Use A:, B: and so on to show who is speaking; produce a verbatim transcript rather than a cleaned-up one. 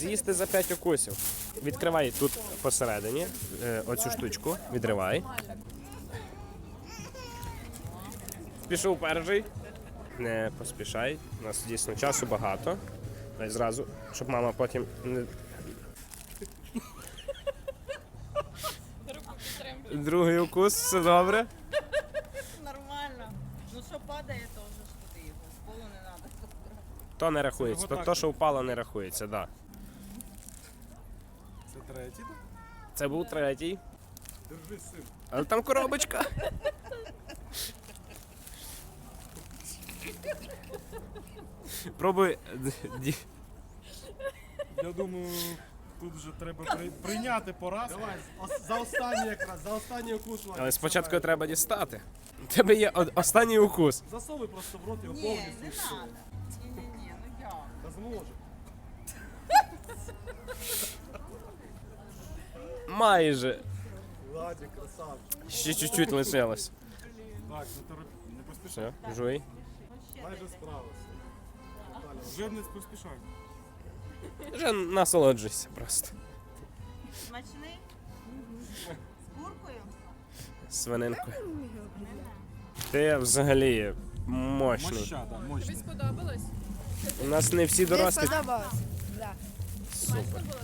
A: З'їсти за п'ять укусів. Відкривай тут посередині е, оцю штучку, відривай. Пішов перший. Не поспішай, у нас дійсно часу багато. Дай зразу, щоб мама потім не... Другий укус, все добре.
B: Нормально. Ну що падає, то вже ж туди його. З полу не треба.
A: То не рахується, то, то що впало, не рахується, так. Да.
C: Це третій, так?
A: Це був третій.
C: Держи, син.
A: Але там коробочка. Пробуй. ді-
C: Я думаю, тут вже треба при... прийняти поразку. Давай, ос- за останній якраз, за останній укус. Владик.
A: Але спочатку треба дістати. У тебе є о- останній укус.
C: Засовуй просто в рот його
B: Ні,
C: повністю.
B: не
C: і все.
B: треба. Ні-ні-ні, ну як?
C: Та зможе.
A: Майже.
C: Владик, красавчик.
A: Ще чуть-чуть лишилось.
C: Так, не торопи, не поспішай.
A: Все, жуй.
C: Майже справився. Вже не поспішай.
A: Вже насолоджуйся просто.
B: Смачний? З куркою?
A: Свининкою. Ти взагалі мощний.
C: Мощада, мощний.
D: Сподобалось?
A: У нас не всі
E: Мені
A: дорослі.
E: сподобалось. Да.
A: Супер.